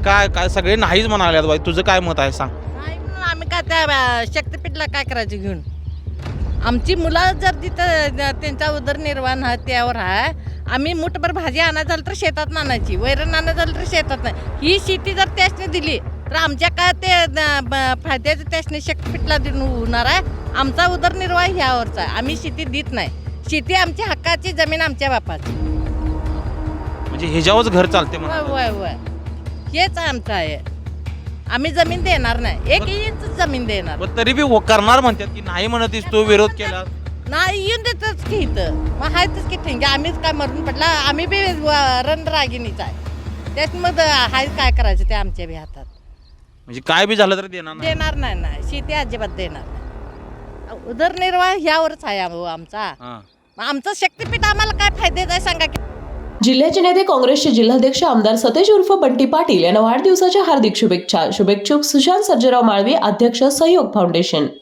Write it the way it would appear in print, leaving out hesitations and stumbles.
काय काय सगळे नाहीच म्हणाले बाई, तुझं काय मत आहे सांग. नाही म्हणून आम्ही काय त्या शक्तीपीठला काय करायचं घेऊन. आमची मुलं जर तिथं त्यांचा उदरनिर्वाह त्यावर आहे. आम्ही मुठभर भाजी आणायचं झालं तर शेतात आणायची, वैरण आणायचं झालं तर शेतात नाही. ही शेती जर त्यासने दिली तर आमच्या काय ते फायद्याचं त्यासने शक्तीपीठला देऊन होणार आहे. आमचा उदरनिर्वाह ह्यावरचा आहे. आम्ही शेती देत नाही. शेती आमची हक्काची, जमीन आमच्या बापाची. म्हणजे ह्याच्यावरच घर चालते वय म्हणा. वय वय हेच आमचं आहे. आम्ही जमीन देणार नाही, एक इंच जमीन देणार पण तरी बी करणार म्हणतात की नाही म्हणत तू विरोध केला. नाही. येऊन देतच की इथं मग आहेतच की ठेंगे. आम्हीच काय मरून पडला, आम्ही बी रणरागिणीच आहे. त्याच्यामध्ये हाय काय करायचं ते आमच्या बी हातात. म्हणजे काय बी झालं तर देणार नाही. देणार नाही ना, शेती अजिबात देणार नाही. उदरनिर्वाह ह्यावरच आहे आमचा. हां. मग आमचं शक्तीपीठ आम्हाला काय फायद्याचं आहे सांगा की. जिल्ह्याचे नेते काँग्रेसचे जिल्हाध्यक्ष आमदार सतेज उर्फ बंटी पाटील यांना वाढदिवसाच्या हार्दिक शुभेच्छा. शुभेच्छुक सुशांत सर्जेराव माळवी, अध्यक्ष सहयोग फाउंडेशन.